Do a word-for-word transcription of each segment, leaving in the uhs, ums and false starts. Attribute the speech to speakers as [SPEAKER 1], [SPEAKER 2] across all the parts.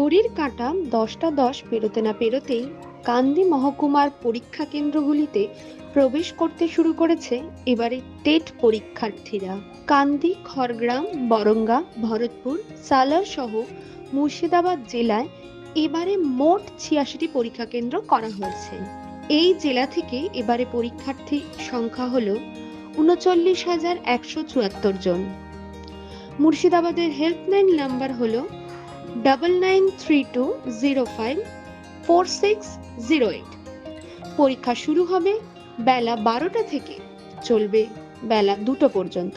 [SPEAKER 1] ঘড়ির কাঁটা দশটা দশ পেরোতে না পেরোতেই কান্দি মহকুমার পরীক্ষা কেন্দ্রগুলিতে প্রবেশ করতে শুরু করেছে এবারে টেট পরীক্ষার্থীরা। কান্দি, খড়গ্রাম, বরঙ্গা, ভরতপুর, সালার সহ মুর্শিদাবাদ জেলায় এবারে মোট ছিয়াশিটি পরীক্ষা কেন্দ্র করা হয়েছে। এই জেলা থেকে এবারে পরীক্ষার্থী সংখ্যা হল উনচল্লিশ হাজার একশো চুয়াত্তর জন। মুর্শিদাবাদের হেল্পলাইন নাম্বার হলো double nine three two zero five four six zero eight. পরীক্ষা শুরু হবে বেলা বারোটা থেকে চলবে বেলা দুটো পর্যন্ত।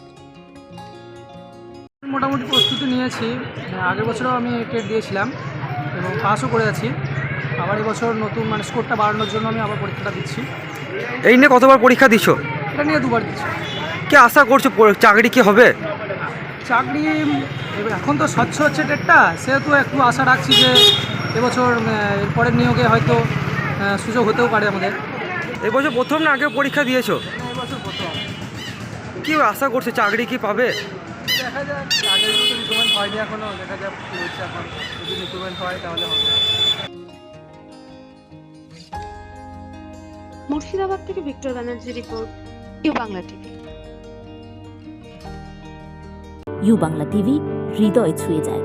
[SPEAKER 2] মোটামুটি প্রস্তুতি নিয়েছি। আগের বছরও আমি টেট দিয়েছিলাম এবং পাসও করে আছি। আবার এবছর নতুন মানে স্কোরটা বাড়ানোর জন্য আমি আবার পরীক্ষাটা দিচ্ছি।
[SPEAKER 3] এই নিয়ে কতবার পরীক্ষা দিচ্ছ?
[SPEAKER 2] এটা নিয়ে দুবার দিচ্ছি।
[SPEAKER 3] কি আশা করছো, প- চাকরি কি হবে?
[SPEAKER 2] চাকরি এবার এখন তো স্বচ্ছ হচ্ছে টেটটা, সেহেতু একটু আশা রাখছি যে এবছর আহ, এর পরের নিয়োগে হয়তো আহ, সুযোগ হতেও পারে আমাদের।
[SPEAKER 3] এবছর প্রথম না আগে পরীক্ষা দিয়েছো?
[SPEAKER 2] এবছর প্রথম।
[SPEAKER 3] কি আশা করছো, চাকরি কি পাবে?
[SPEAKER 2] দেখা যাক, আগের মতো রিক্রুটমেন্ট হয়নি এখনও, দেখা যাক কী হচ্ছে এখন। যদি রিক্রুটমেন্ট হয় তাহলে হবে।
[SPEAKER 1] মুর্শিদাবাদ থেকে Victor Banerjee report, U Bangla TV.
[SPEAKER 4] U Bangla TV হৃদয় ছুঁয়ে যায়।